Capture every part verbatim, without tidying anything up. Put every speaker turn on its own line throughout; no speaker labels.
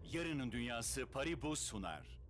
Yarının Dünyası Paribu sunar.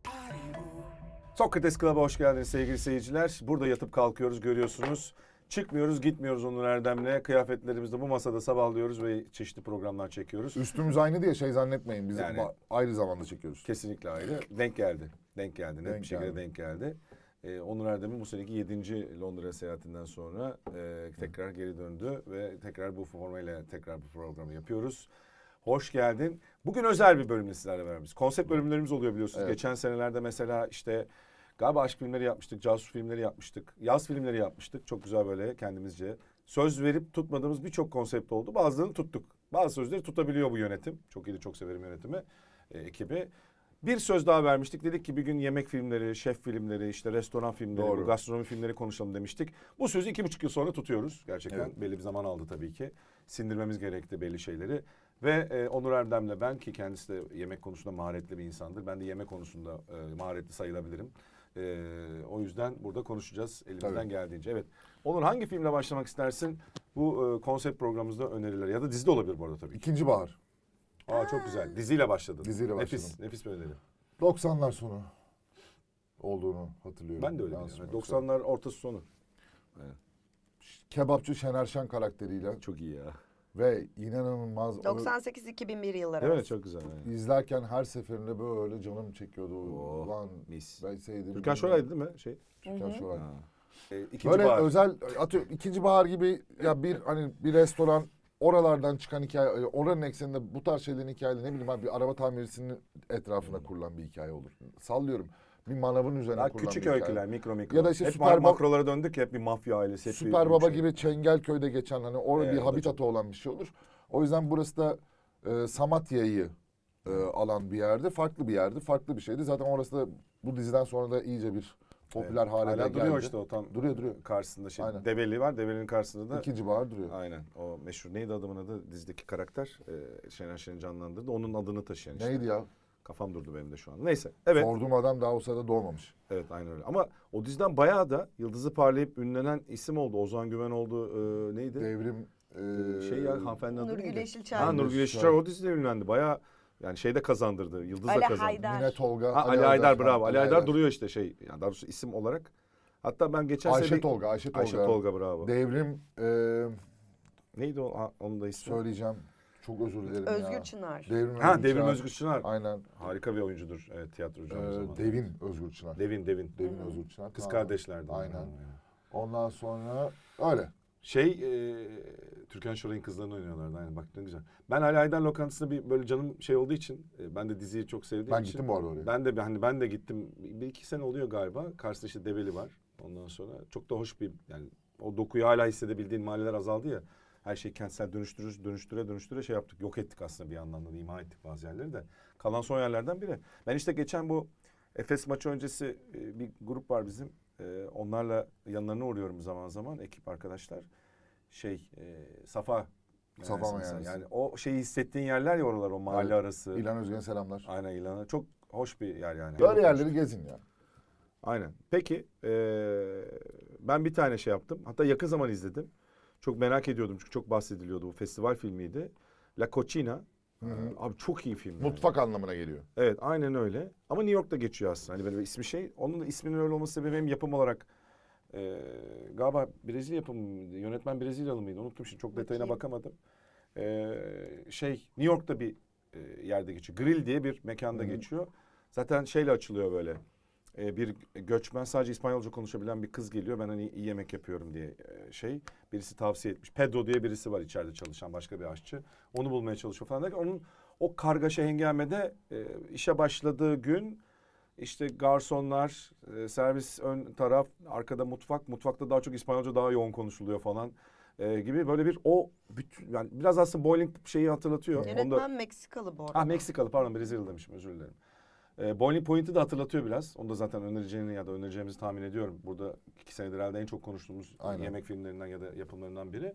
Sokrates Club'a hoş geldiniz sevgili seyirciler. Burada yatıp kalkıyoruz, görüyorsunuz. Çıkmıyoruz, gitmiyoruz Onur Erdem'le. Kıyafetlerimizde bu masada sabahlıyoruz ve çeşitli programlar çekiyoruz.
Üstümüz aynı diye şey zannetmeyin. Biz
Yani-
ba- ayrı zamanda çekiyoruz.
Kesinlikle ayrı. Denk geldi. Denk geldi. Net
Denk
bir şekilde
geldi.
denk geldi. Ee, Onur Erdem'in bu seneki yedinci Londra seyahatinden sonra e, tekrar geri döndü ve tekrar bu formayla tekrar bu programı yapıyoruz. Hoş geldin. Bugün özel bir bölümle sizlerle beraberiz. Konsept bölümlerimiz oluyor biliyorsunuz.
Evet.
Geçen senelerde mesela işte galiba aşk filmleri yapmıştık, casus filmleri yapmıştık, yaz filmleri yapmıştık. Çok güzel böyle kendimizce. Söz verip tutmadığımız birçok konsept oldu. Bazılarını tuttuk. Bazı sözleri tutabiliyor bu yönetim. Çok iyi de çok severim yönetimi, e, ekibi. Bir söz daha vermiştik. Dedik ki bir gün yemek filmleri, şef filmleri, işte restoran filmleri,
Doğru.
bu gastronomi filmleri konuşalım demiştik. Bu sözü iki buçuk yıl sonra tutuyoruz. Gerçekten
Evet.
belli bir zaman aldı tabii ki. Sindirmemiz gerekti belli şeyleri. Ve e, Onur Erdem'le ben, ki kendisi de yemek konusunda maharetli bir insandır. Ben de yemek konusunda e, maharetli sayılabilirim. E, o yüzden burada konuşacağız elimizden
Tabii.
geldiğince. Evet. Onur, hangi filmle başlamak istersin? Bu e, konsept programımızda öneriler ya da dizi de olabilir bu arada tabii ki.
İkinci bahar.
Aa, çok güzel. Diziyle başladın.
Diziyle
Nefis,
başladım.
nefis bir öneri.
doksanlar sonu olduğunu hatırlıyorum.
Ben de öyle
Yansımak
biliyorum.
üzere.
doksanlar ortası sonu.
Kebapçı Şener Şen karakteriyle
Çok iyi ya.
ve inanılmaz onu
doksan sekiz iki bin bir yılları
Değil mi?
arası.
Çok güzel. Yani.
izlerken her seferinde böyle canım çekiyordu.
Oh,
Ulan
mis.
ben sevdim.
Türkan Şoray'dı değil mi? Şey.
Türkan Şoray.
Ha. E, ikinci
Böyle
bahar.
özel atıyor ikinci bahar gibi ya bir hani bir restoran oralardan çıkan hikaye oranın ekseninde bu tarz şeylerin hikayeleri ne bileyim abi bir araba tamircisinin etrafına kurulan bir hikaye olur. Sallıyorum. Bir manavın üzerine
Daha
kurulan
küçük
bir hikaye.
öyküler, mikro mikro.
Ya da işte
hep
Süper
ma-
Bab-
makrolara döndük ya, hep bir mafya ailesi. Hep
Süper
bir
Baba
şey.
gibi Çengelköy'de geçen hani orada
Evet,
bir
o da
habitatı olan bir şey olur. O yüzden burası da e, Samatya'yı e, alan bir yerdi. Farklı bir yerdi. Farklı bir şeydi. Zaten orası da bu diziden sonra da iyice bir popüler
Evet.
hale
Hala
de
duruyor
geldi.
işte o tam
Duruyor duruyor.
karşısında şey.
Aynen.
Develi var. Develi'nin karşısında da.
İkinci bahar duruyor.
Aynen. O meşhur neydi adamın adı? Dizideki karakter. E, Şener Şen'i canlandırdı. Onun adını taşıyan işte.
Neydi ya?
Kafam durdu benim de şu an. Neyse. Evet.
Sorduğum adam daha o sırada doğmamış.
Evet, aynen öyle. Ama o diziden bayağı da yıldızı parlayıp ünlenen isim oldu. Ozan Güven oldu. E, neydi?
Devrim e,
Şey ya, hanımefendi adı
Nurgül
neydi?
Yeşilçay.
Ha, Nurgül
Yeşilçay.
Yeşilçay o dizide ünlendi. Bayağı yani şeyde kazandırdı. Yıldız da
Ali
kazandı.
Haydar.
Mine Tolga.
Ha, Ali Haydar, bravo.
Ha,
Ali Haydar duruyor işte şey. Yani daha doğrusu isim olarak. Hatta ben geçen
Ayşe
sene...
Tolga. Ayşe Tolga.
Ayşe Tolga, bravo.
Devrim e,
Neydi o? Ha, onun da ismi.
söyleyeceğim. Çok özür dilerim ya.
Özgür Çınar.
Devrim
Ha,
Özgür
Devrim
Çınar.
Özgür Çınar.
Aynen.
Harika bir oyuncudur. Evet, tiyatrocu aynı
Ee,
zamanda.
Devin Özgür Çınar.
Devin, Devin.
Devin Özgür Çınar.
Kız
Tamam.
kardeşlerdi.
Aynen.
onlar.
Ondan sonra öyle.
Şey, e, Türkan Şoray'ın kızlarını oynuyorlardı. Aynen, bak ne güzel. Ben Ali Haydar lokantasında bir böyle canım şey olduğu için, e, ben de diziyi çok sevdiğim
Ben
için.
gittim bu arada oraya.
Ben de hani ben de gittim. Bir iki sene oluyor galiba. Karşısında işte Develi var. Ondan sonra çok da hoş bir, yani o dokuyu hala hissedebildiğin mahalleler azaldı ya. Her şeyi kentsel dönüştürür, dönüştüre dönüştüre şey yaptık. Yok ettik aslında bir yandan da, imha ettik bazı yerleri de. Kalan son yerlerden biri. Ben işte geçen bu Efes maçı öncesi e, bir grup var bizim. E, onlarla yanlarına uğruyorum zaman zaman, ekip arkadaşlar. Şey, e, Safa.
Safa
Meyhanesi
Meyhanesi.
mesela. Yani o şeyi hissettiğin yerler ya oralar, o mahalle
Evet.
arası.
İlhan Özgen'e selamlar.
Aynen, İlhan'a. Çok hoş bir yer yani.
Böyle yerleri gezin ya.
Aynen. Peki eee, ben bir tane şey yaptım. Hatta yakın zaman izledim. Çok merak ediyordum çünkü çok bahsediliyordu. Bu festival filmiydi. La Cocina.
Hı hı.
Abi çok iyi film. yani.
Mutfak anlamına geliyor.
Evet, aynen öyle. Ama New York'ta geçiyor aslında. Hani böyle bir ismi şey. Onun da isminin öyle olması sebebi hem yapım olarak eee galiba Brezilya yapımı mıydı? Yönetmen Brezilyalı mıydı? Unuttum şimdi, çok detayına
Bakayım.
bakamadım. Eee, şey, New York'ta bir e, yerde geçiyor. Grill diye bir mekanda
Hı hı.
geçiyor. Zaten şeyle açılıyor böyle. E, bir göçmen, sadece İspanyolca konuşabilen bir kız geliyor. Ben hani iyi yemek yapıyorum diye e, şey. Birisi tavsiye etmiş. Pedro diye birisi var içeride çalışan, başka bir aşçı. Onu bulmaya çalışıyor falan derken onun o kargaşa hengamede e, işe başladığı gün işte garsonlar, e, servis ön taraf, arkada mutfak. Mutfakta daha çok İspanyolca daha yoğun konuşuluyor falan. E, gibi böyle bir o bütün, yani biraz aslında bowling şeyi hatırlatıyor.
Yönetmen
Onda,
Meksikalı bu arada.
ah Meksikalı, pardon, Brezilyalı demişim, özür dilerim. E, Boiling Point'i de hatırlatıyor biraz. Onu da zaten önereceğini ya da önereceğimizi tahmin ediyorum. Burada iki senedir herhalde en çok konuştuğumuz
Aynen.
yemek filmlerinden ya da yapımlarından biri.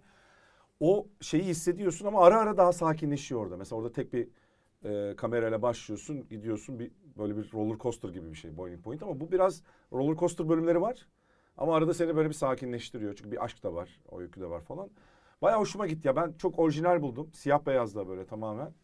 O şeyi hissediyorsun ama ara ara daha sakinleşiyor orada. Mesela orada tek bir e, kamerayla başlıyorsun, gidiyorsun, bir böyle bir roller coaster gibi bir şey Boiling Point, ama bu biraz roller coaster bölümleri var. Ama arada seni böyle bir sakinleştiriyor. Çünkü bir aşk da var, o öykü de var falan. Bayağı hoşuma gitti ya. Ben çok orijinal buldum. Siyah beyazla böyle tamamen.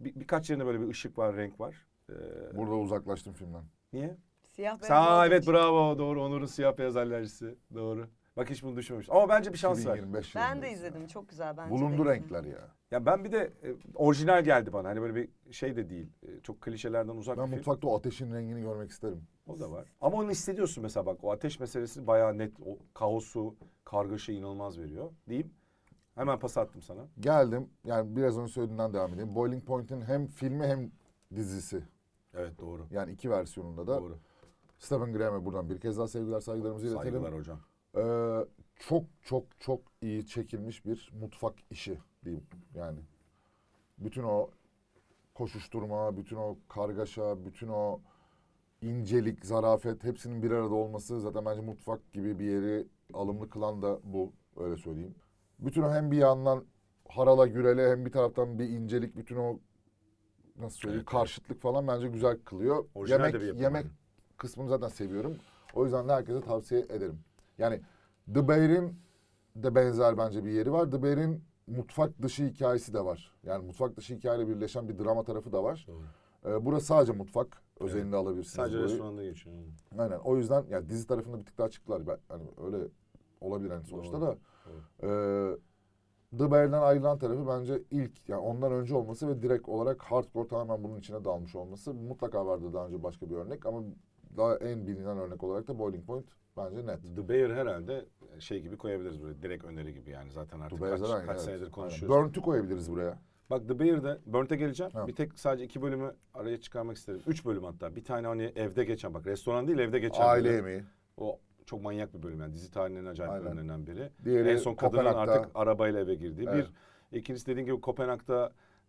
bir, birkaç yerinde böyle bir ışık var, renk var. Ee,
Burada uzaklaştım filmden.
niye?
Siyah beyaz
Sağ
olduğu
evet
için.
bravo doğru Onur'un siyah beyaz alerjisi doğru. Bak hiç bunu düşünmemiştim ama bence bir şans ver.
iki bin yirmi beş
Ben de
yılındayız
izledim.
ya.
Çok güzel bence.
Bulundu
de.
renkler ya.
Ya ben bir de e, orijinal geldi bana hani böyle bir şey de değil e, çok klişelerden uzak
Ben
bir film.
mutfakta o ateşin rengini görmek isterim.
O da var. Ama onu hissediyorsun mesela bak o ateş meselesi bayağı net o kaosu kargaşa inanılmaz veriyor diyeyim. Hemen pas attım sana.
Geldim. Yani biraz önce söylediğinden devam edeyim. Boiling Point'in hem filmi hem dizisi.
Evet doğru.
Yani iki versiyonunda da.
Doğru.
Stephen Graham'e buradan bir kez daha sevgiler saygılarımızı iletelim.
Saygılar hocam.
Ee, çok çok çok iyi çekilmiş bir mutfak işi diyeyim yani. Bütün o koşuşturma, bütün o kargaşa, bütün o incelik, zarafet hepsinin bir arada olması zaten bence mutfak gibi bir yeri alımlı kılan da bu, öyle söyleyeyim. Bütün o hem bir yandan harala gürele hem bir taraftan bir incelik, bütün o nasıl söyleyeyim
Evet,
karşıtlık falan bence güzel kılıyor.
Orijinal
yemek
de bir yapım
yemek
yani.
kısmını zaten seviyorum. O yüzden de herkese tavsiye ederim. Yani The Bear'in de benzer bence bir yeri var. The Bear'in mutfak dışı hikayesi de var. Yani mutfak dışı hikayeyle birleşen bir drama tarafı da var.
Doğru.
Ee, burası sadece mutfak özelinde alabilirsiniz.
Sadece
burayı.
restoranda geçiyor. yani.
Aynen. O yüzden yani dizi tarafında bir tık daha açıklar. Ben, hani öyle olabilir hani sonuçta
Doğru,
da. Ee, The Bear'den ayrılan tarafı bence ilk yani ondan önce olması ve direkt olarak hardcore tamamen bunun içine dalmış olması. Mutlaka vardı daha önce başka bir örnek ama daha en bilinen örnek olarak da Boiling Point bence net.
The Bear herhalde şey gibi koyabiliriz böyle direkt öneri gibi yani zaten artık
The Bear'den
kaç,
aynı,
kaç
evet.
senedir
Aynen.
konuşuyoruz.
Burnt'ü koyabiliriz buraya.
Bak The Bear'de Burnt'e geleceğim.
Ha.
Bir tek sadece iki bölümü araya çıkarmak isterim. Üç bölüm hatta. Bir tane hani evde geçen bak restoran değil evde geçen.
Aile
bölüm.
yemeği.
O çok manyak bir bölüm yani dizi tarihinin en acayip
Aynen.
bölümlerinden biri.
Diğeri
en son kadının
Kopenhag'da.
artık arabayla eve girdiği.
Evet.
Bir. İkincisi dediğin gibi Kopenhag'da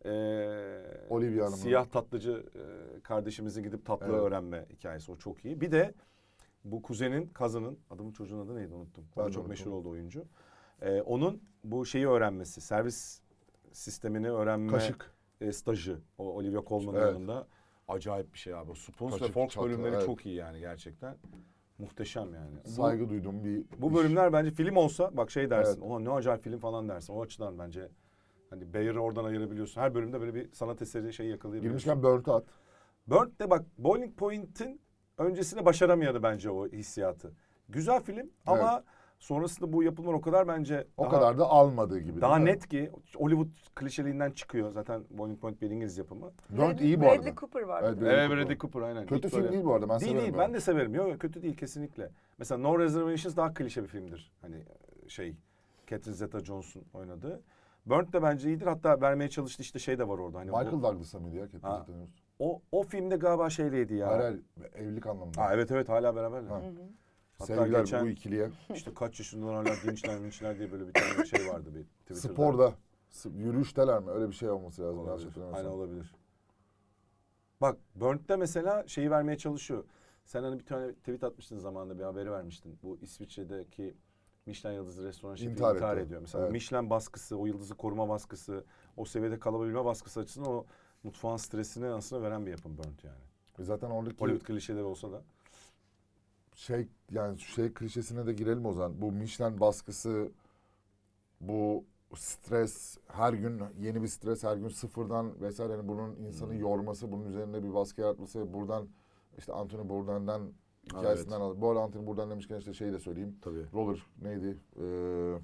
eee
Olivia Hanım'ın.
siyah tatlıcı eee, kardeşimizin gidip tatlı
Evet.
öğrenme hikayesi. O çok iyi. Bir de bu kuzenin, kazının, adamın çocuğun adı neydi unuttum. O
Ben
da
de
çok
unuttum.
meşhur oldu oyuncu. Eee, onun bu şeyi öğrenmesi, servis sistemini öğrenme
Kaşık.
e, stajı. O Olivia Colman'ın
Evet.
yanında. Acayip bir şey abi. O Spoons ve
Kaşık,
Forks
çatı,
bölümleri
evet.
çok iyi yani gerçekten. Muhteşem yani. Bu-
Saygı duyduğum bir
bu
iş.
bölümler bence film olsa bak şey dersin.
Evet.
Oha ne acayip film falan dersin. O açıdan bence hani Bayer'ı oradan ayırabiliyorsun. Her bölümde böyle bir sanat eseri şey yakalayabiliyorsun.
Girmişken Burnt'ü at.
Burnt de bak Boiling Point'in öncesinde başaramayadı bence o hissiyatı. Güzel film ama sonrasında bu yapımlar o kadar bence
O
daha,
kadar da almadığı gibi.
daha
değil mi?
net ki Hollywood klişeliğinden çıkıyor. Zaten Boiling Point bir İngiliz yapımı.
Burnt
Bradley-
iyi bu
Bradley
arada.
Cooper var.
Evet,
bir de.
Bradley
Evet
Cooper.
Bradley Cooper aynen.
Kötü
İlk
film
böyle-
değil bu arada. Ben
değil
severim.
değil
böyle.
ben de severim. Yok yok kötü değil kesinlikle. Mesela No Reservations daha klişe bir filmdir. Hani şey Catherine Zeta-Jones'un oynadığı. Burnt de bence iyidir. Hatta vermeye çalıştı işte şey de var orada. Hani
Michael
o,
Douglas'a mıydı ya? Catherine
Ha.
Zeta-Jones?
o, o filmde galiba şeyleydi ya.
Hayır hayır. Evlilik anlamında.
Ha, evet evet hala beraberler.
Ha.
Hı hı.
Hatta
Sevgiler
geçen
bu ikiliye.
işte kaç yaşındalar hala dinçler minçler diye böyle bir tane şey vardı bir Twitter'da.
Sporda. s- Yürüyüşteler mi? Öyle bir şey olması lazım. yanlış
Olabilir.
hatırlamıyorsam.
Aynen olabilir. Bak Burnt'te mesela şeyi vermeye çalışıyor. Sen hani bir tane tweet atmıştın zamanında bir haberi vermiştin. Bu İsviçre'deki Michelin yıldızlı restoran şefi
İntihar
intihar,
etti.
ediyor. Mesela
Evet.
Michelin baskısı, o yıldızı koruma baskısı, o seviyede kalabilme baskısı açısından o mutfağın stresini aslında veren bir yapım Burnt yani.
E Zaten oradaki
Hollywood klişeleri olsa da.
şey yani şey klişesine de girelim o zaman. Bu Michelin baskısı, bu stres, her gün yeni bir stres, her gün sıfırdan vesaire. Yani bunun insanı
Hmm.
yorması, bunun üzerinde bir baskı yaratması. Buradan işte Anthony Bourdain'den
Ha,
hikayesinden al. Bu arada Anthony Bourdain demişken işte şeyi de söyleyeyim.
Tabii.
Roller neydi? Ee,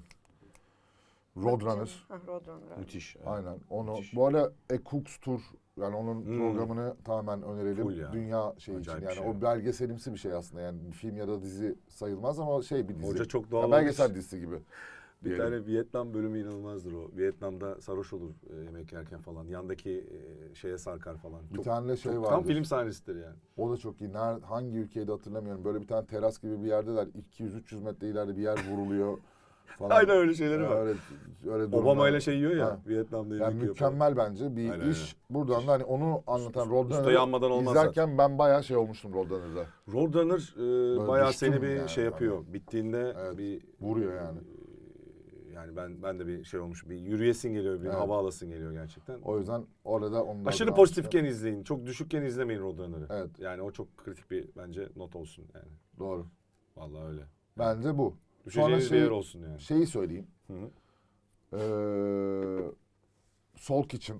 Roadrunner.
Ha, Roadrunner. evet.
Müthiş. evet.
Aynen. Onu
Müthiş.
bu arada A Cook's Tour yani onun
Hmm.
programını tamamen önerelim.
Full ya.
Dünya şey için
Acayip
yani
bir şey.
o belgeselimsi bir şey aslında. Yani bir film ya da dizi sayılmaz ama şey bir dizi.
Hoca çok doğal
Ya
olmuş.
belgesel dizisi gibi.
Bir
diyelim.
tane Vietnam bölümü inanılmazdır o. Vietnam'da sarhoş olur e, yemek yerken falan. Yandaki e, şeye sarkar falan.
Bir
Çok-
tane de şey
çok-
vardır.
Tam film sahnesidir yani.
O da çok iyi. Nerede, hangi ülkeydi hatırlamıyorum. Böyle bir tane teras gibi bir yerdeler. iki yüz üç yüz metre ileride bir yer vuruluyor falan.
Aynen öyle şeyleri
Ya
var.
Öyle, öyle
Obama
durumlar.
ile şey yiyor ya
Ha.
Vietnam'da yemek
Yani
yiyor.
mükemmel bence bir
Aynen,
iş. Buradan da hani onu anlatan
Usta
Roadrunner'ı
yanmadan olmaz
izlerken ben bayağı şey olmuştum Roadrunner'da.
Roadrunner e, bayağı
düştüm
seni bir
yani.
şey yapıyor. Bittiğinde
Evet,
bir
vuruyor yani.
e, yani ben ben de bir şey olmuş. Bir yürüyesin geliyor, bir
Evet.
hava alasın geliyor gerçekten.
O yüzden orada onu da
Aşırı
adını
pozitifken
almıştım.
izleyin. Çok düşükken izlemeyin Roadrunner'ı.
Evet.
Yani o çok kritik bir bence not olsun yani.
Doğru.
Vallahi öyle.
Bence bu.
Düşeceğiniz
şey-
bir yer olsun yani.
Şeyi söyleyeyim.
Hı hı.
Ee, Soul Kitchen.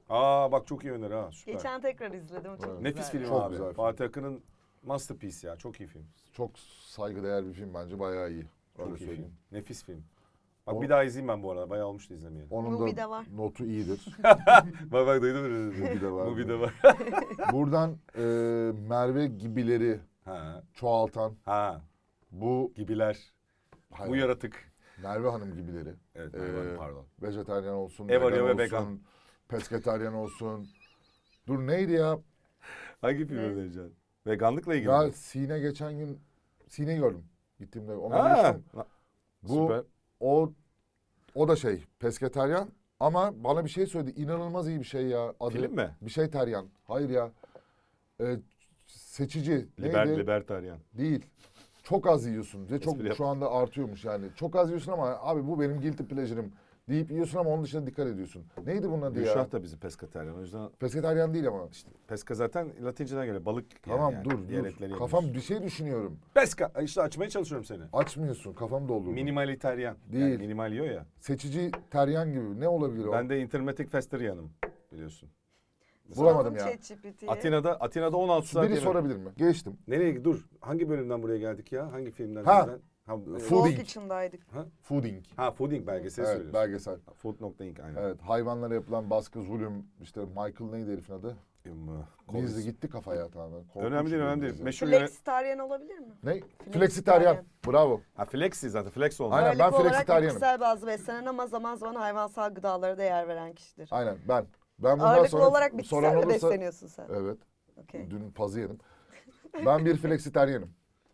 Aa bak çok iyi öneri ha süper.
Geçen tekrar izledim. Çok
Evet.
Nefis
güzeldi.
film
Çok
abi.
güzel film.
Fatih Akın'ın masterpiece ya. Çok iyi film.
Çok saygıdeğer bir film bence, bayağı iyi. Öyle
Çok iyi
söyleyeyim.
film. Nefis film. Bak
O-
bir daha izleyeyim ben bu arada. Bayağı olmuştu izlemeyeli.
Onun
Movie
da
de var.
notu iyidir.
Bak bak duydun mu?
Movie de var.
Movie de var.
Buradan e, Merve gibileri
Ha.
çoğaltan
Ha.
bu
Gibiler.
hayır,
Bu yaratık.
Merve Hanım gibileri.
Evet
Ee,
pardon.
Vejetaryen olsun,
Ev
vegan
arıyor ve
olsun,
vegan.
pesketaryen olsun. Dur neydi ya?
Hangi film
Ne?
önereceksin? Veganlıkla ilgili
Ya
mi?
Sine geçen gün Sine'yi gördüm. Gittiğimde ona
Ha.
görüştüm. Bu
Süper.
o o da şey pesketaryen ama bana bir şey söyledi. İnanılmaz iyi bir şey ya. Adı
Film mi?
bir şey teryan. Hayır ya. Ee, seçici.
Liber,
neydi?
libertaryen.
Değil. Çok az yiyorsun ve çok
Espri yap.
şu anda artıyormuş yani. Çok az yiyorsun ama abi bu benim guilty pleasure'ım deyip yiyorsun ama onun dışında dikkat ediyorsun. Neydi bunun adı ya?
Gülşah da bizi pesketaryen. O yüzden
Pesketaryen değil ama.
işte peska zaten Latinceden geliyor. Balık yani.
Tamam
yani.
dur
Diğer
dur.
etleri
Kafam
yemiyorsun.
bir şey düşünüyorum.
Peska. İşte açmaya çalışıyorum seni.
Açmıyorsun. Kafam doldurdu.
Minimaliteryen.
Değil.
Yani minimal yiyor ya.
Seçici teryan gibi. Ne olabilir o?
Ben de intermetik festeriyanım biliyorsun.
Bulamadım ya.
ChatGPT'ye.
Atina'da Atina'da on altı saat
Biri
yemek.
sorabilir mi? Geçtim.
Nereye dur? Hangi bölümden buraya geldik ya? Hangi filmden?
Ha.
diziden? Ha, e,
Food
Soğuk
Inc.
içindeydik.
Fooding.
ha Fooding belgeseli
Evet,
söylüyorsun.
belgesel.
Food nokta inc aynen.
Evet, hayvanlara yapılan baskı, zulüm. İşte Michael neydi herifin adı?
Em,
Dizi gitti kafaya tamamen. Korkunç
Önemli değil,
bir
önemli değil.
dizi.
Meşhur yönet...
Flexitaryen olabilir mi?
Ne?
Flexitaryen.
Flexitaryen. Bravo.
Ha flexi zaten flex oldu.
Aynen, ben
Ağırlıklı olarak
flexitaryenim.
bitkisel bazlı beslenen ama zaman zaman hayvansal gıdalara da yer veren kişidir.
Aynen ben. Ben bundan
Ağırlıklı
sonra
olarak
soran
bitkisel mi
olursa...
besleniyorsun sen?
Evet.
Okey.
Dün pazı yedim. Ben bir flexitaryenim.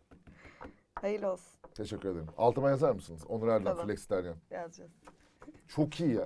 Hayırlı olsun.
Teşekkür ederim. Altıma yazar mısınız? Onur Erdem
Tamam.
flexitaryen.
Yazacağız.
Çok iyi ya.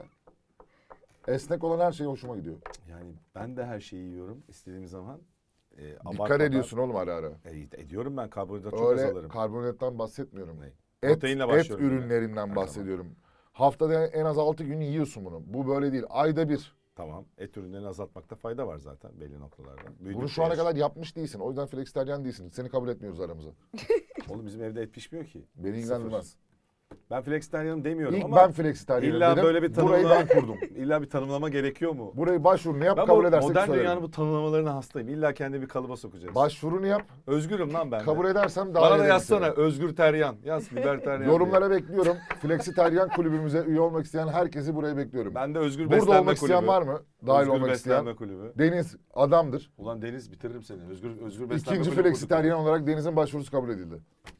Esnek olan her şey hoşuma gidiyor.
Yani ben de her şeyi yiyorum istediğim zaman. E,
Dikkat
abartmadan-
ediyorsun oğlum ara ara.
E, ediyorum ben karbonhidrat çok az
Öyle
alırım.
karbonhidrattan bahsetmiyorum.
Ne?
Et,
Proteinle
et
başlıyorum yine.
ürünlerinden
Her
bahsediyorum. Haftada en az altı gün yiyorsun bunu. Bu böyle değil. Ayda bir.
Tamam. Et ürünlerini azaltmakta fayda var zaten belli noktalarda.
Bunu
Büyüdükçe
şu ana
yaş-
kadar yapmış değilsin. O yüzden flexitaryen değilsin. Seni kabul etmiyoruz aramıza.
Oğlum bizim evde et pişmiyor ki.
Beni
Sıfır.
ilgilendirmez.
Ben flexitarianım demiyorum
İlk
ama
ben flexitaryenim
illa
dedim.
böyle bir
Burayı
tanımlama-
ben kurdum.
illa bir tanımlama gerekiyor mu?
Burayı başvurunu yap,
Ben
kabul
bu
edersek
modern
söylerim.
dünyanın bu tanımlamalarına hastayım. İlla kendi bir kalıba sokacağız.
Başvurunu yap,
Özgürüm lan ben de.
kabul edersem daha
Bana da
ederim
yazsana
seni.
özgür teryan. Yaz liberteryan.
Yorumlara bekliyorum. Flexitaryen kulübümüze üye olmak isteyen herkesi buraya bekliyorum.
Ben de özgür
Burada
beslenme
olmak isteyen
kulübü.
var mı? Dahil
Özgür
olmak
beslenme
isteyen.
kulübü.
Deniz adamdır.
Ulan Deniz bitiririm seni. Özgür özgür beslenme
İkinci
kulübü
flexitaryen
kurduk.
olarak Deniz'in başvurusu kabul edildi.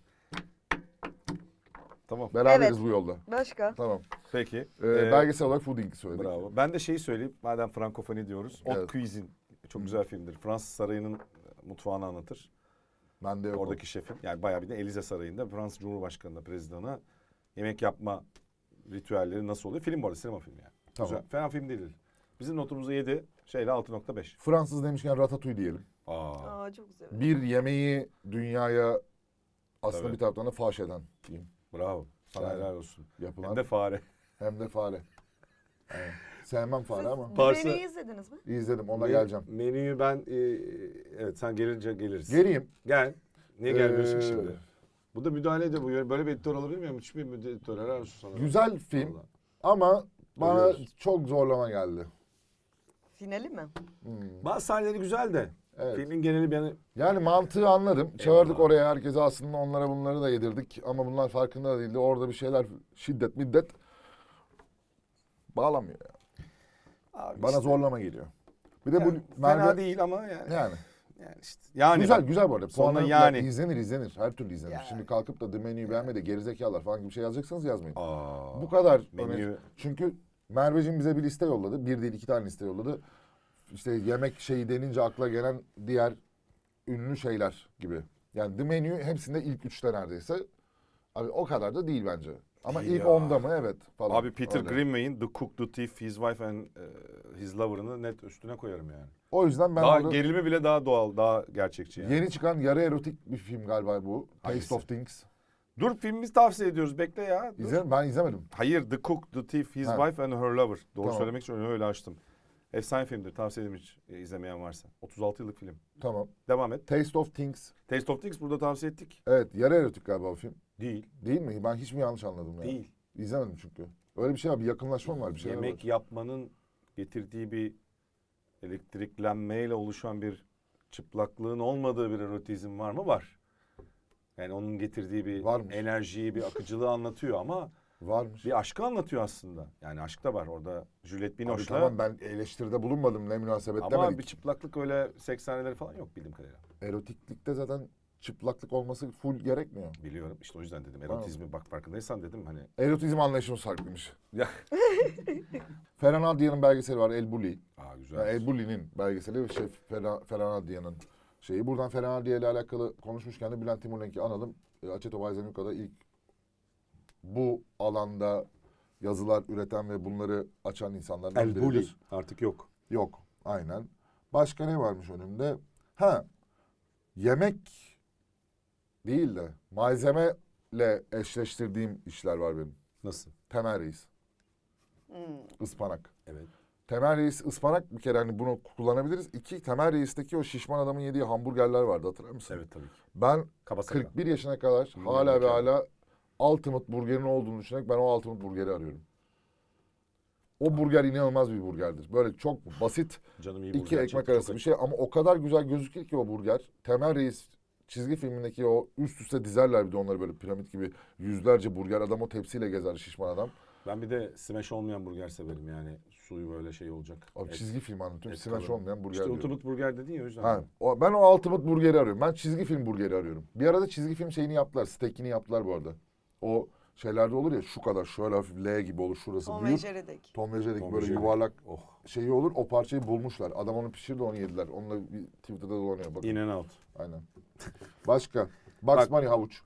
Tamam.
Beraberiz
Evet.
bu yolda.
Başka?
Tamam.
Peki.
Ee,
Ee,
belgesel olarak Fooding söyledik.
Bravo. Ben de şeyi söyleyeyim. Madem frankofoni diyoruz. Haute
Evet.
Cuisine. Çok güzel filmdir. Fransız sarayının mutfağını anlatır.
Ben de yok.
Oradaki şefin. Yani bayağı bir de Elize Sarayı'nda Fransız Cumhurbaşkanı'na, prezidanına yemek yapma ritüelleri nasıl oluyor? Film bu arada, sinema filmi yani.
Tamam.
Güzel. Fena film değil. Bizim notumuzu yedi. Şeyle altı nokta beş.
Fransız demişken Ratatouille diyelim.
Aa.
Aa çok güzel.
Bir yemeği dünyaya aslında
Tabii.
bir taraftan da faş eden film.
Bravo. Sana
Yani
helal olsun.
Yapılan
Hem de fare.
hem de fare. Evet. Sevmem fare ama.
Siz
Parça-
Dubai'yi izlediniz mi?
İzledim, ona
Men-
geleceğim.
Menüyü ben e, evet sen gelince geliriz.
Geleyim.
Gel. Niye gelmiyorsun
Ee,
ki şimdi? Bu da müdahale ediyor. Bu böyle bir editör olabilir miyim? Müthiş bir müdahale editör. Helal olsun sana.
Güzel film
Vallahi.
ama bana
Övüyoruz.
çok zorlama geldi.
Finali mi?
Hmm.
Bazı sahneleri güzel de.
Evet.
Filmin geneli beni
Yani mantığı anladım. Çağırdık
Eyvallah.
oraya herkese, aslında onlara bunları da yedirdik. Ama bunlar farkında da değildi. Orada bir şeyler şiddet middet bağlamıyor ya.
Abi
Bana
işte,
zorlama geliyor. Bir de
yani
bu
fena
Merve...
değil ama yani.
Yani.
Yani işte. Yani
güzel
bak,
güzel bu arada.
sonunda
Puanı
yani.
yani. izlenir izlenir. Her türlü izlenir.
Yani.
Şimdi kalkıp da The Menu'yu beğenme de gerizekalılar falan gibi bir şey yazacaksanız yazmayın.
Aa,
Bu kadar.
menü
önemli. Çünkü Merveciğim bize bir liste yolladı. Bir değil iki tane liste yolladı. İşte yemek şeyi denince akla gelen diğer ünlü şeyler gibi. Yani The Menu hepsinde ilk üçte neredeyse. Abi o kadar da değil bence. Ama
Değil
ilk
ya.
onda mı? Evet. Falan.
Abi Peter
Öyle.
Greenaway'in The Cook, The Thief, His Wife and e, His Lover'ını net üstüne koyarım yani.
O yüzden ben
daha
orada
gerilimi bile daha doğal, daha gerçekçi yani.
yeni çıkan yarı erotik bir film galiba bu.
Hangisi?
Taste of Things.
Dur filmimizi tavsiye ediyoruz. Bekle ya. Dur.
İzle, ben izlemedim.
Hayır, The Cook, The Thief, His
Ha.
Wife and Her Lover. Doğru
Tamam.
söylemek için öyle açtım. Efsane filmdir. Tavsiye ederim hiç e, izlemeyen varsa. otuz altı yıllık film.
Tamam.
Devam et.
Taste of Things.
Taste of Things burada tavsiye ettik.
Evet, yarı erotik galiba o film.
Değil.
Değil mi? Ben hiç mi yanlış anladım ya?
Değil.
İzlemedim çünkü. Öyle bir şey var, bir yakınlaşma var, bir şey
Yemek
var.
yapmanın getirdiği bir elektriklenmeyle oluşan bir çıplaklığın olmadığı bir erotizm var mı? Var. Yani onun getirdiği bir
Varmış.
enerjiyi, bir akıcılığı anlatıyor ama
Varmış.
bir aşkı anlatıyor aslında. Yani aşk da var orada. Juliette
Abi
Binoche'la.
tamam ben eleştiride bulunmadım ne münasebet
Ama
demedik.
bir çıplaklık öyle seks sahneleri falan yok bildiğim kadarıyla.
Erotiklikte zaten çıplaklık olması full gerekmiyor.
Biliyorum. İşte o yüzden dedim. Erotizmi bak farkındaysan dedim hani.
Erotizm anlayışımız farklıymış.
Ya.
Ferhan Adrian'ın belgeseli var El Bulli.
Aa güzel.
Yani El Bulli'nin belgeseli şey Ferhan, Ferhan Adrian'ın şeyi. Buradan Ferhan Adrian ile alakalı konuşmuşken de Bülent Timurlenk'i analım. E, Açeto Bayzemika'da ilk bu alanda yazılar üreten ve bunları açan insanlardan
El
biridir.
Bulli artık yok.
Yok. Aynen. Başka ne varmış önümde? Ha. Yemek değil de malzemeyle eşleştirdiğim işler var benim.
Nasıl?
Temel Reis.
Hmm.
Ispanak.
Evet.
Temel Reis ıspanak bir kere hani bunu kullanabiliriz. İki, Temel Reis'teki o şişman adamın yediği hamburgerler vardı hatırlar mısın?
Evet tabii ki.
Ben
Kaba sakal.
kırk bir yaşına kadar
Hmm,
hala ve
mükemmel.
hala Ultimate Burger'in olduğunu düşünerek ben o Ultimate Burger'i arıyorum. O burger inanılmaz bir burgerdir. Böyle çok basit
Canım iyi
iki
burger
ekmek
çekti,
arası
çok
bir şey ama o kadar güzel gözükür ki o burger. Temel Reis çizgi filmindeki o üst üste dizerler bir de onları böyle piramit gibi yüzlerce burger. Adam o tepsiyle gezer şişman adam.
Ben bir de smash olmayan burger severim yani. Suyu böyle şey olacak.
Abi
Et-
çizgi film anlatıyorum.
et
Smash
kalın.
olmayan burger
İşte
diyorum.
Ultimate Burger dedin ya o yüzden.
Ha, o, ben o Ultimate Burger'i arıyorum. Ben çizgi film burgeri arıyorum. Bir arada çizgi film şeyini yaptılar. Steak'ini yaptılar bu arada. O şeylerde olur ya şu kadar şöyle hafif L gibi olur şurası
Tom ve
büyük.
Jerry'deki.
Tom ve Jerry'deki
Tom
böyle
ve Jerry.
yuvarlak
Oh.
şeyi olur. O parçayı bulmuşlar. Adam onu pişirdi onu yediler. Onunla bir Twitter'da dolanıyor. Bakın.
In and out.
Aynen. Başka. Bugs
Bak-
Bunny havuç.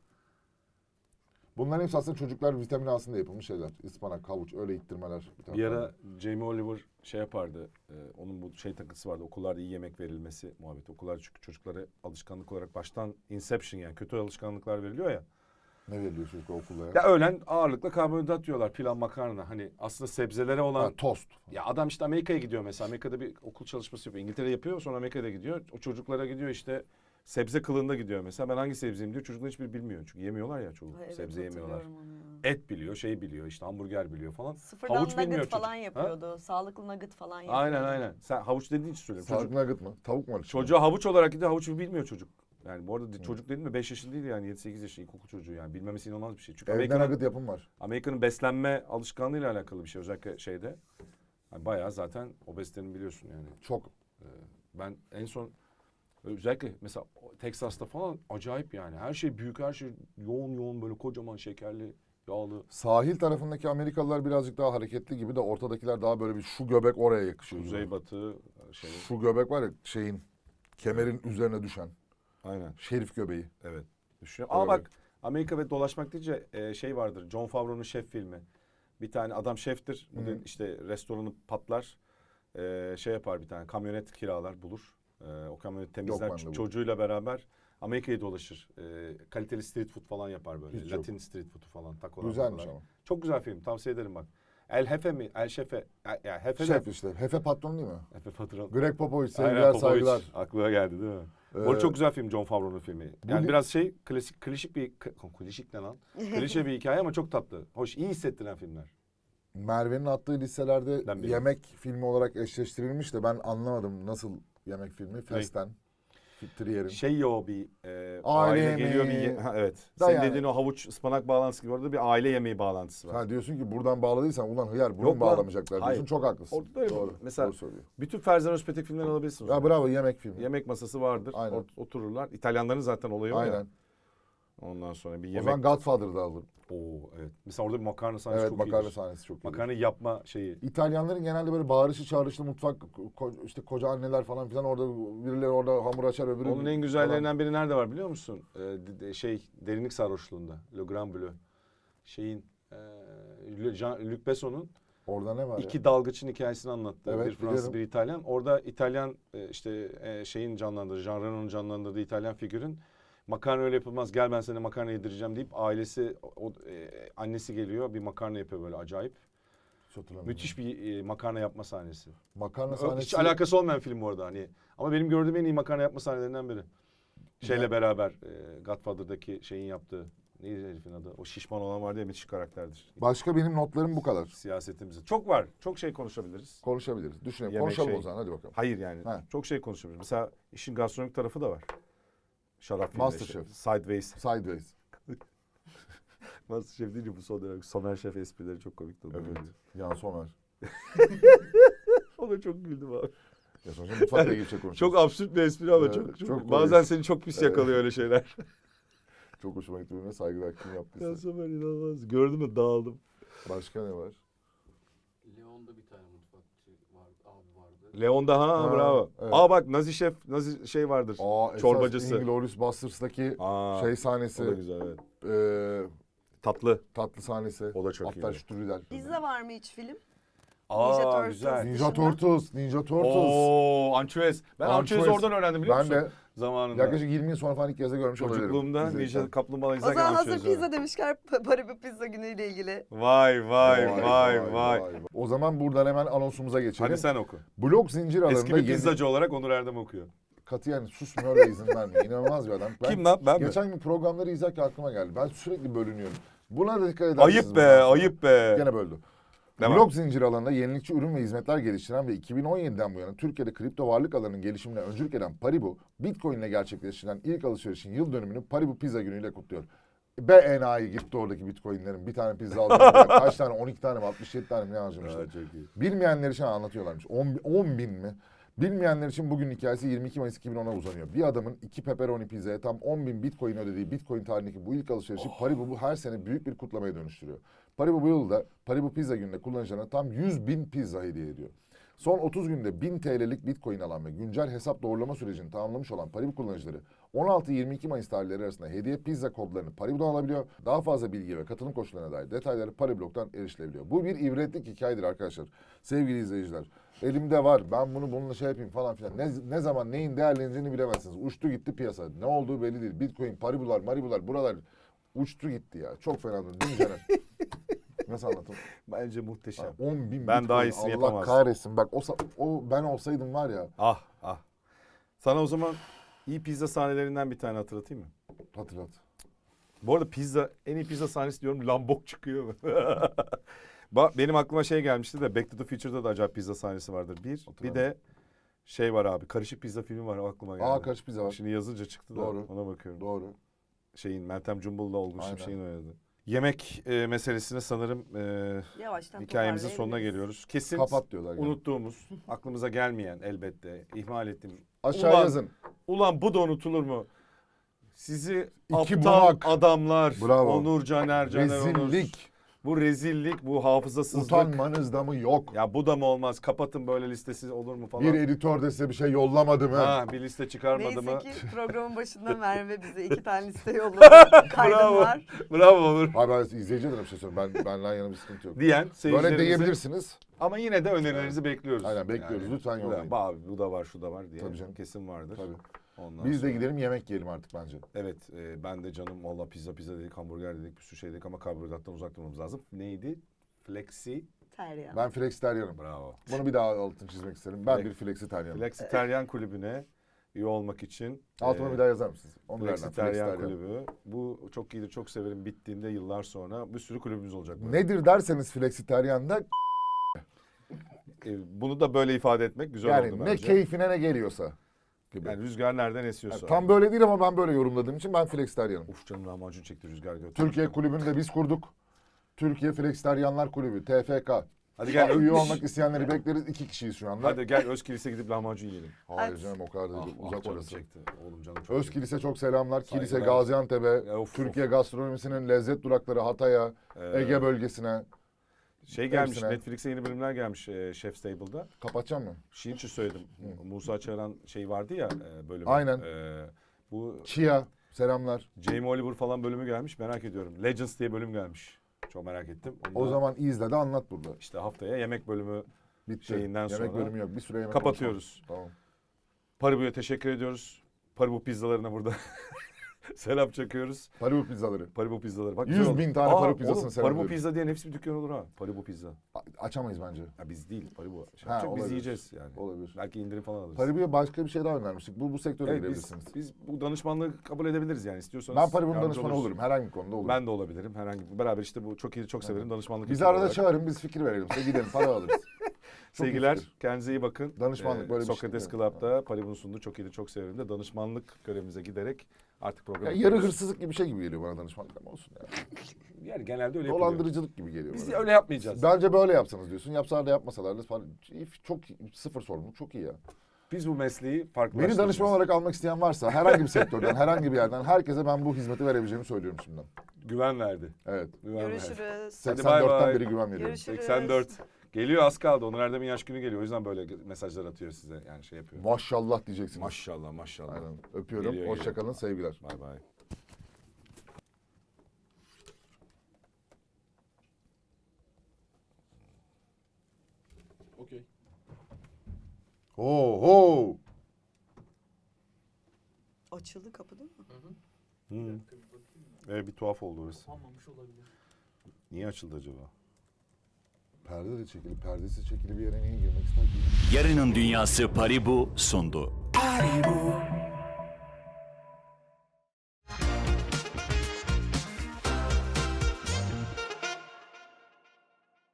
Bunların hepsi aslında çocuklar vitamin alsın diye yapılmış şeyler. Ispanak, havuç öyle ittirmeler.
Bir ara Jamie Oliver şey yapardı. e, onun bu şey takıntısı vardı. Okullarda iyi yemek verilmesi muhabbeti. Okullarda çünkü çocuklara alışkanlık olarak baştan inception yani kötü alışkanlıklar veriliyor ya.
Ne veriliyor çocuklar okulda ya?
Ya öğlen ağırlıkla karbonhidrat yiyorlar. Pilav, makarna. Hani aslında sebzelere olan...
Ha, tost.
Ya adam işte Amerika'ya gidiyor mesela. Amerika'da bir okul çalışması yapıyor. İngiltere'de yapıyor sonra Amerika'da gidiyor. O çocuklara gidiyor işte sebze kılığında gidiyor mesela. Ben hangi sebzeyim diyor. Çocuklar hiçbir bilmiyor. Çünkü yemiyorlar ya çoğu.
Ay, evet,
sebze yemiyorlar.
hatırlıyorum onu ya.
Et biliyor, şey biliyor işte hamburger biliyor falan.
Sıfırdan
Havuç
nugget
bilmiyor
falan
çocuk.
yapıyordu. Sağlıklı nugget falan yapıyordu.
Aynen aynen. Sen havuç dediğin için söylüyorum. Çocuk,
Sağlıklı nugget mı? Tavuk mu var içinde?
çocuğa havuç olarak gidiyor. Havuç bilmiyor çocuk. Yani bu arada çocuk dedim mi beş yaşında değil yani yedi sekiz yaşında ilkokul çocuğu yani. Bilmemesi inanılmaz bir şey. Çünkü
Evde
Amerika'nın,
nugget yapım var.
Amerika'nın beslenme alışkanlığıyla alakalı bir şey. Özellikle şeyde. Yani bayağı zaten obezitenin biliyorsun yani.
Çok.
Ben en son özellikle mesela Texas'ta falan acayip yani. Her şey büyük, her şey yoğun yoğun böyle kocaman şekerli, yağlı.
Sahil tarafındaki Amerikalılar birazcık daha hareketli gibi de ortadakiler daha böyle bir şu göbek oraya yakışıyor. gibi.
Kuzeybatı şey.
Şu göbek var ya şeyin kemerin üzerine düşen.
Aynen.
Şerif göbeği.
Evet. Düşünüyorum. Ama
Öyle.
bak Amerika ve dolaşmak deyince e, şey vardır. John Favreau'nun şef filmi. Bir tane adam şeftir. Bu
Hı.
da işte restoranı patlar. E, şey yapar bir tane kamyonet kiralar bulur. E, o kamyonet temizler.
bende bu.
Çocuğuyla beraber Amerika'yı dolaşır. E, kaliteli street food falan yapar böyle.
Hiç yok.
Latin street food'u falan. Takolar,
Güzelmiş
takolar.
ama.
Çok güzel film. Tavsiye ederim bak. El Hefe mi? El Şefe. Ya yani Hefe
Şef
de.
işte. Hefe patron değil mi?
Hefe patron.
Greg Popovich
Aynen,
sevgiler
Popovic.
saygılar.
Aklına geldi değil mi?
Ee,
Orada çok güzel film John Favreau'nun filmi. Yani
bir-
biraz şey klasik klişik bir klişik ne lan? Klişe bir hikaye ama çok tatlı. Hoş, iyi hissettiren filmler.
Merve'nin attığı listelerde
Ben biliyorum.
yemek filmi olarak eşleştirilmiş de ben anlamadım nasıl yemek filmi. Festen. Trier'in.
Şey ya o bir e,
Aile
aile, geliyor bir
yemeği.
ye- ha, evet.
Da
Senin
yani-
dediğin o havuç ıspanak bağlantısı gibi orada bir aile yemeği bağlantısı var.
Ha diyorsun ki buradan bağladıysan ulan hıyar bunu
Yok
mu
lan.
bağlamayacaklar diyorsun.
Hayır.
Çok haklısın.
Orada da öyle.
Doğru.
Mesela-
Doğru söylüyor.
Bütün Ferzan Özpetek filmlerini alabilirsiniz.
Ya bravo yemek filmi.
Yemek masası vardır.
Aynen.
Ot- otururlar. İtalyanların zaten olayı o ya.
Aynen.
Ondan sonra bir
O
yemek.
zaman Godfather'da alırım.
Oo evet. Mesela orada bir makarna sahnesi
Evet
çok
makarna
iyidir.
sahnesi çok iyi.
Makarna yapma şeyi.
İtalyanların genelde böyle bağırışı çağrışlı mutfak ko- işte koca anneler falan filan orada birileri orada hamur açar öbürü.
Onun en güzellerinden biri nerede var biliyor musun? Ee, de- de- şey derinlik sarhoşluğunda. Le Grand Bleu. Şeyin e, Le- Jean, Luc Besson'un
Orada ne var
iki
ya?
dalgıçın hikayesini anlattı.
Evet,
bir Fransız
biliyorum.
bir İtalyan. Orada İtalyan e, işte e, şeyin canlandırdığı, Jean Reno'nun canlandırdığı İtalyan figürün makarna öyle yapılmaz gel ben sana makarna yedireceğim deyip ailesi o, e, annesi geliyor bir makarna yapıyor böyle acayip.
Hiç hatırlamıyorum.
Müthiş bir e, makarna yapma sahnesi.
Makarna
Ö-
sahnesi.
Hiç alakası olmayan film bu arada hani. Ama benim gördüğüm en iyi makarna yapma sahnelerinden biri. Şeyle
Ya-
beraber e, Godfather'daki şeyin yaptığı Neydi herifin adı? O şişman olan var diye müthiş karakterdir.
Başka benim notlarım bu kadar.
Siyasetimizde. Çok var. Çok şey konuşabiliriz.
Konuşabiliriz. Düşünelim.
Yemek
Konuşalım
şey-
o zaman. Hadi bakalım.
Hayır yani.
Ha.
Çok şey konuşabiliriz. Mesela işin gastronomik tarafı da var. Şarap filmleri
Masterchef.
işte. Sideways.
Sideways.
Masterchef deyince bu son dönem Somer Şef esprileri çok komik oldu.
Evet. Yan Somer.
O da çok güldüm abi.
Ya sonuçta mutfakla ilgili şey konuşuyoruz.
Çok absürt bir espri ama
Evet,
çok, çok,
çok
bazen
komik.
seni çok pis yakalıyor öyle şeyler.
Çok hoşuma gitti benimle saygılar kim yaptıysa.
Ya Somer inanılmaz. Gördün mü dağıldım.
Başka ne var?
Leon'da bir tane mutfakçı vardı, abi vardı.
Leon'da ha,
Ha,
bravo.
evet.
Aa bak Nazi Şef, Nazi şey vardır.
Aa, esas
Çorbacısı.
Inglourious Basterds'daki
Aa,
şey
o da
sahnesi,
güzel evet.
e,
Tatlı.
tatlı sahnesi.
O da çok
Hatta
iyi.
Strudel.
Bizde var mı hiç film?
Aa
Ninja
güzel.
Turtles.
Ninja Turtles, Ninja Turtles.
Oo, ançüez. Ben ançüez
Ançüez.
oradan öğrendim biliyor
Ben
musun?
de
Zamanında.
yaklaşık yirmi yıl sonra falan ilk kez de görmüş olabilirim.
Çocukluğumda
İzleyirken.
Ninja Kaplumbağa
O
izlerken
zaman hazır
ançüez
pizza
öğrendim.
demişken pa- Paribu Pizza günüyle ilgili.
Vay vay vay vay.
O zaman buradan hemen anonsumuza geçelim.
Hadi sen oku.
Blok zincir alanında
Eski bir
yeni...
pizzacı olarak Onur Erdem okuyor.
Katiyen susmuyor ve izin vermiyor. İnanılmaz bir adam. Ben
Kim lan ben mi?
geçen gün programları izlerken aklıma geldi. Ben sürekli bölünüyorum. Buna da dikkat edersiniz.
Ayıp be
bundan sonra.
ayıp be.
Gene böldü.
Devam.
Blok zincir alanında yenilikçi ürün ve hizmetler geliştiren ve iki bin on yediden bu yana Türkiye'de kripto varlık alanının gelişimine öncülük eden Paribu, Bitcoin ile gerçekleştirilen ilk alışverişin yıl dönümünü Paribu Pizza günüyle kutluyor. Be enayi gitti oradaki Bitcoin'lerin. Bir tane pizza alacağım. Kaç tane? on iki tane mi? altmış yedi tane mi ne harcamışlar?
Aa, çok iyi.
Bilmeyenler için anlatıyorlarmış. on bin mi? Bilmeyenler için bugün hikayesi yirmi iki Mayıs iki bin ona uzanıyor. Bir adamın iki pepperoni pizzaya tam on bin Bitcoin ödediği Bitcoin tarihindeki bu ilk alışverişi Paribu bu her sene büyük bir kutlamaya dönüştürüyor. Paribu bu yılda Paribu Pizza gününde kullanıcılarına tam yüz bin pizza hediye ediyor. Son otuz günde bin T L'lik Bitcoin alan ve güncel hesap doğrulama sürecini tamamlamış olan Paribu kullanıcıları on altı yirmi iki Mayıs tarihleri arasında hediye pizza kodlarını Paribu'dan alabiliyor. Daha fazla bilgi ve katılım koşullarına dair detayları Pariblog'dan erişilebiliyor. Bu bir ibretlik hikayedir arkadaşlar. Sevgili izleyiciler. Elimde var. Ben bunu bununla şey yapayım falan filan. Ne, ne zaman neyin değerleneceğini bilemezsiniz. Uçtu gitti piyasa. Ne olduğu belli değil. Bitcoin, Paribular, Maribular buralar uçtu gitti ya. Çok fena döndü. Değil mi Caner? Nasıl anlatayım?
Bence muhteşem.
on bin
Ben
Bitcoin.
daha iyisini
Allah
yapamazdım.
kahretsin. Bak o, sa- o ben olsaydım var ya.
Ah ah. Sana o zaman iyi pizza sahnelerinden bir tane hatırlatayım mı?
Hatırlat.
Bu arada pizza, en iyi pizza sahnesi diyorum lambok çıkıyor. Ba- Benim aklıma şey gelmişti de Back to the Future'da da acayip pizza sahnesi vardır. Bir, bir
Hatırladım.
de şey var abi, karışık pizza filmi var aklıma geldi.
Aa karışık pizza var.
Şimdi yazınca çıktı da
Doğru.
ona bakıyorum.
Doğru.
Şeyin Meltem Cumbul'la Olgun
Aynen.
Şimşek'in oynadı. Yemek e, meselesine sanırım e,
Yavaştan
hikayemizin sonuna
toparlayabiliriz.
geliyoruz. Kesin
Kapat diyorlar. gene.
unuttuğumuz, aklımıza gelmeyen elbette, ihmal ettiğim.
Aşağı
Ulan-
yazın.
Ulan bu da unutulur mu? Sizi
İki
aptal
bunak.
adamlar,
Bravo.
Onur Caner, Caner Onur.
Rezillik.
Bu rezillik, bu hafızasızlık.
Utanmanız da mı yok?
Ya bu da mı olmaz? Kapatın böyle listesi olur mu falan.
Bir editör de size bir şey yollamadı mı?
Ha, bir liste çıkarmadı mı?
Neyse ki programın başında Merve bize iki tane liste yolladı. Kaydım
Bravo.
var.
Bravo Onur.
Hayır ben izleyiciye de bir şey söyleyeyim. Ben, benden yana bir sıkıntı yok.
Diyen
Böyle
seyircilerimize.
diyebilirsiniz.
Ama yine de önerilerinizi bekliyoruz.
Aynen, bekliyoruz. Lütfen
bu
yollayın.
da- Abi bu da var, şu da var diye.
Tabii canım.
Kesin vardır.
Tabii.
Ondan
Biz de
sonra-
gidelim yemek yiyelim artık bence.
Evet, e, ben de canım valla pizza pizza dedik, hamburger dedik, bir sürü şey dedik ama karbonhidrattan uzak durmamız lazım. Neydi? Flexi.
Terya.
Ben Flexiteryanım.
Bravo.
Bunu bir daha altını çizmek isterim. Ben
Flex-
bir Flexiteryanım.
Flexitaryen kulübüne üye olmak için.
Altıma
e,
bir daha yazar mısınız? Onu nereden?
Flexitaryen
Flexiteryan.
kulübü. Bu çok iyidir, çok severim. Bittiğinde yıllar sonra bir sürü kulübümüz olacak. böyle.
Nedir derseniz Flexiteryan'da
E, bunu da böyle ifade etmek güzel
yani
oldu
ne
bence.
keyfine ne geliyorsa. Gibi.
Yani rüzgar nereden esiyorsa.
Yani tam böyle değil ama ben böyle yorumladığım için ben Flexiteryanım.
Uf canım lahmacun çekti rüzgar götürdü.
Türkiye kulübünü de biz kurduk. Türkiye Flexiteryanlar Kulübü, T F K.
Hadi gel.
Üye olmak isteyenleri bekleriz. İki kişiyiz şu anda.
Hadi gel Özkilis'e gidip lahmacun yiyelim.
Hayır
Hadi.
canım o kadar da
Ah,
değil.
ah,
Uzak
canım
orası.
çekti. Oğlum canım çok
Özkilis'e çok selamlar. Kilise
Saygılar.
Gaziantep'e,
Ya, of,
Türkiye gastronomisinin lezzet durakları Hatay'a,
Ee,
Ege bölgesine.
Şey gelmiş,
hepsine.
Netflix'e yeni bölümler gelmiş e, Chef's Table'da.
Kapatacağım mı?
Şey için söyledim. Musa Çağıran şey vardı ya e, bölümü.
Aynen.
E, bu
Chia, selamlar.
Jamie Oliver falan bölümü gelmiş. Merak ediyorum. Legends diye bölüm gelmiş. Çok merak ettim. Onu
O
da
zaman izle de anlat burada.
işte haftaya yemek bölümü
Bitti.
şeyinden
yemek
sonra
bölümü yok. Bir süre yemek
kapatıyoruz.
konuşalım. Tamam.
Paribu'ya teşekkür ediyoruz. Paribu pizzalarına burada Selam çakıyoruz.
Paribu pizzaları.
Paribu pizzaları. Bak,
Yüz
güzel oldu.
bin tane
Aa,
Paribu pizzasını
oğlum,
selamlıyorum.
Paribu pizza diyen hepsi bir dükkan olur ha. Paribu pizza.
A- açamayız bence.
Ya biz değil Paribu. Şey
Ha,
yapacak, biz
olabilir.
yiyeceğiz yani.
Olabilir.
Belki indirim falan alırız.
Paribu'ya başka bir şey daha önermiştik. Bu bu sektöre
Evet, biz,
girebilirsiniz.
biz bu danışmanlığı kabul edebiliriz yani istiyorsanız.
Ben Paribu'nun
yardımcı
danışmanı
oluruz.
olurum. Herhangi bir konuda olurum.
Ben de olabilirim. Herhangi beraber işte bu çok iyi çok severim danışmanlık.
Bizi
ekibi
arada
olarak.
çağırın, biz fikir verelim. Size gidelim, para alırız. Çok iyi
Sevgiler,
fikir.
kendinize iyi bakın.
Danışmanlık böyle bir şey
Sokrates
değil mi?
Club'da Paribu'nun sunduğu çok iyi çok severim de danışmanlık görevimize giderek artık
Ya
programı
yarı
yapıyoruz.
hırsızlık gibi bir şey gibi geliyor bana danışmanlık ama olsun ya.
Yani genelde öyle yapılıyor.
Dolandırıcılık gibi geliyor
Biz
bana.
öyle yapmayacağız.
Bence böyle yapsanız diyorsun. Yapsalar da yapmasalar da falan. Çok sıfır sorumluluk, çok iyi ya.
Biz bu mesleği farklı.
Beni danışman olarak almak isteyen varsa herhangi bir sektörden, herhangi bir yerden herkese ben bu hizmeti verebileceğimi söylüyorum şimdiden.
Güven verdi.
Evet.
Güven verdi.
Görüşürüz.
Hadi bay
seksen dörtten
bay.
beri güven veriyorum.
Görüşürüz.
seksen dört. Geliyor, az kaldı. Onur Erdem'in yaş günü geliyor. O yüzden böyle mesajlar atıyor size. Yani şey yapıyor.
Maşallah diyeceksiniz.
Maşallah maşallah.
Aynen. Öpüyorum.
Geliyor,
Hoşça
geliyor.
kalın. Sevgiler.
Bay bay.
Okey.
Ho ho.
Açıldı kapı değil mi?
Hı. Evet, bir tuhaf oldu orası.
Kapanmamış olabilir.
Niye açıldı acaba?
Perde de çekili, perdesi çekili bir yere niye girmek ister ki?
Yarının Dünyası Paribu sundu.
Paribu,